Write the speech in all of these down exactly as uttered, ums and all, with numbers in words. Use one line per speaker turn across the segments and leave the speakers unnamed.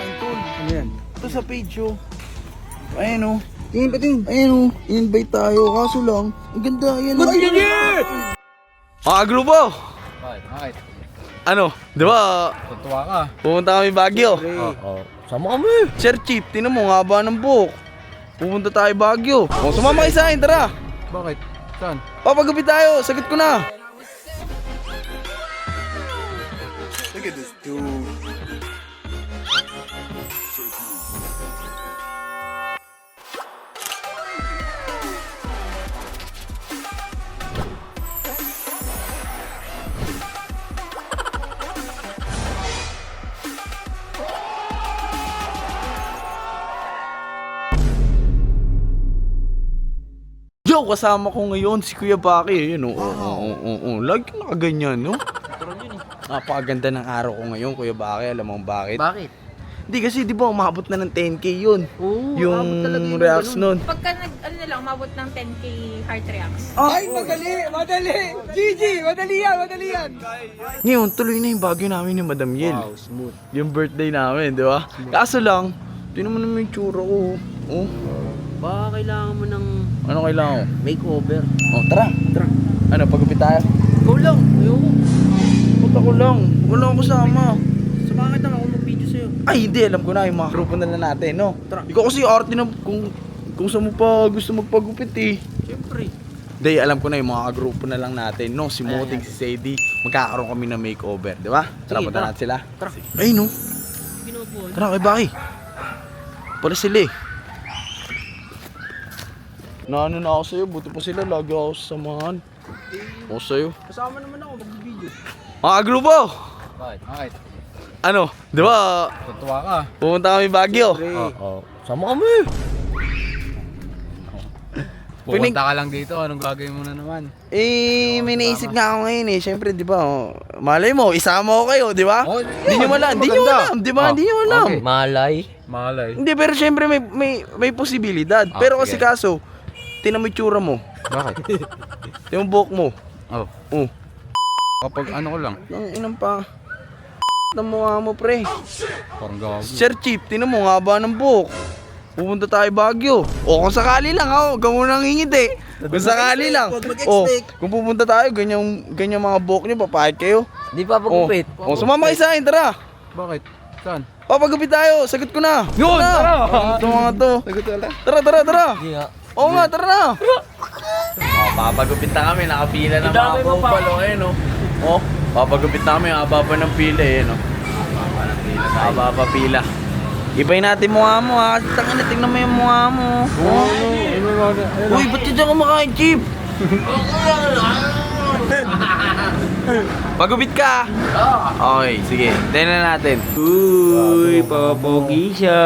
akin, tol.
Ano yan?
Ito sa page, oh. Ayan, oh. Tingin pa tingin. Ayan, oh. In-invite tayo. Kaso lang, ang ganda. Ayan, oh. Mga grupo!
Bakit? Bakit?
Ano? Di ba?
Tutuwa ka.
Pumunta kami Baguio.
Oo. Oh, sama kami.
Sir Chief, tinan mo, ang haba ng buhok. Pupunta tayo Baguio. O, sumama kayo sa akin, tara.
Bakit? Saan?
Papagupit tayo, sagot ko na. Look at this dude. Yo, kasama ko ngayon si Kuya Baki. Ayun, oo, oo, oo, oo. Lagi nakaganyan, no? Napakaganda ng araw ko ngayon, Kuya Baki. Alam mo bakit?
Bakit?
Hindi kasi, di ba, umabot na ng ten K yun.
Oo,
yung reacts nun.
Pagka nag, ano na lang, umabot ng ten K heart reacts.
Ay, madali! Madali! Gigi! Madali yan! Madali yan!
Ngayon, tuloy na yung bagyo namin ni Madam Yel.
Wow, smooth.
Yung birthday namin, di ba? Kaso lang, tinan mo naman yung tsura ko. Oh,
Baka kailangan mo ng
ano kailangan ko?
makeover.
Oh, tara.
Tara.
Ano, pagupit tayo?
Ikaw lang. Ayoko.
Puta ko lang. Wala akong kasama.
Samahan kita ako mag-video sa'yo.
Ay, hindi. Alam ko na yung mga grupo na lang natin, no?
Tara.
Ikaw kasi arte na kung, kung saan mo pa gusto magpagupit, eh.
Siyempre.
Hindi, alam ko na yung mga grupo na lang natin, no? Si Moting, si Sadie. Magkakaroon kami ng makeover, di ba? Tara,
Sige,
punta
tara.
natin sila.
Tara.
Ay, no?
Binubuhan.
Tara, kay Baki. Pala sila, eh. Naano na ako sa'yo, buti pa sila, lagi ako sasamahan. Ako sa'yo.
Kasama naman ako mag-video.
Mga grupo!
Bakit? Bakit?
Ano, di ba,
Tutuwa ka.
pumunta kami Baguio.
Oo. Oh, sama kami.
Pinig-
Pupunta ka lang dito, anong gagawin mo na naman?
Eh, may naisip nga ako ngayon eh. Siyempre, di ba, oh, malay mo, isama ko kayo, di ba?
Oh,
Hindi nyo alam, hindi nyo
maganda.
alam, di ba?
Oh,
Hindi nyo alam.
okay.
Malay.
Malay.
Hindi, pero siyempre may, may, may posibilidad.
Ah,
Pero kasi
sige.
kaso, tinan mo yung tsura mo.
Bakit?
Tinan mo buhok mo.
Oh.
Oh,
Kapag ano ko lang,
ang inang pa. Ng mukha mo, pre.
parang gago.
Sir Chief, tinan mo, ang haba ng buhok. Pupunta tayo Baguio. O kung sakali lang, ha, huwag ka munang hingit eh. Kung sakali lang. O, kung pupunta tayo, ganyan, ganyan mga buhok nyo, papahit kayo.
Di pa
O,
pagupit.
o sumama kayo sa akin, tara.
Bakit? Saan?
Papagupit tayo, sagot ko na.
Yun, tara.
Ito mga to. Tara, tara, tara.
Di nga.
Oo nga, tara na. Oh, papagupit na kami, nakapila na mga bupalo eh, no. Oh, papagupit namin, haba pa ng pila eh, no. Haba ng pila, haba pa pila. Ibay natin mukha mo ha, kasi tangin na, tingnan mo yung mukha mo. Oh. Uy, ba't yun dyan kumakain, Chief? Pagupit ka. Okay, sige, tingnan natin.
Uy, papapogi siya.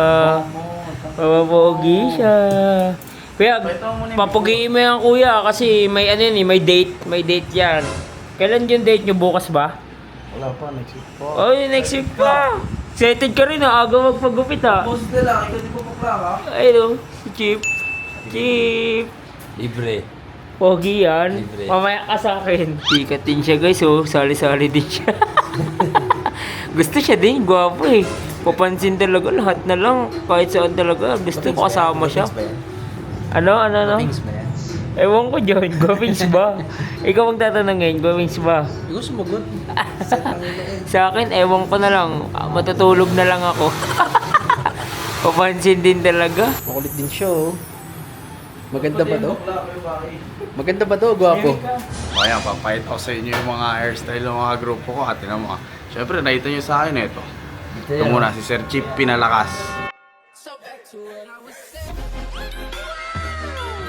Papapogi siya. Kuya, papugiin mo yan kuya kasi may ano yun eh, may date. May date yan. Kailan yung date nyo? Bukas ba?
Wala pa, next week po.
Oh, next week pa. Excited ka rin ha, aga magpagupit ha.
Boss nila, ikaw di po pa ka?
Ayun, si Chip. Chip.
Libre.
Pogi yan.
Libre.
Mamaya ka sa akin. Sikat din siya guys, oh. Sali-sali din siya. Gusto siya din, gwapo eh. Papansin talaga, lahat na lang. Kahit saan talaga, gusto ko kasama siya. Ano, ano, ano?
Things ba yan?
Ewan ko dyan, gwapings ba? Ikaw ang tatanong ngayon, gwapings ba?
Ikaw sumagot.
Sa akin, ewan ko na lang. Ah, Matutulog na lang ako. Papansin din talaga.
Makulit din siya oh. Maganda ba to? Maganda ba to, gwapo?
O ayan, papahit ako sa inyo yung mga hairstyle ng mga grupo ko. At tinan mo ah. Siyempre, nakita nyo sa akin ito. Ito muna, si Sir Chief Pinalakas.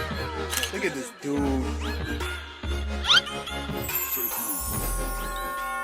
Look at this dude.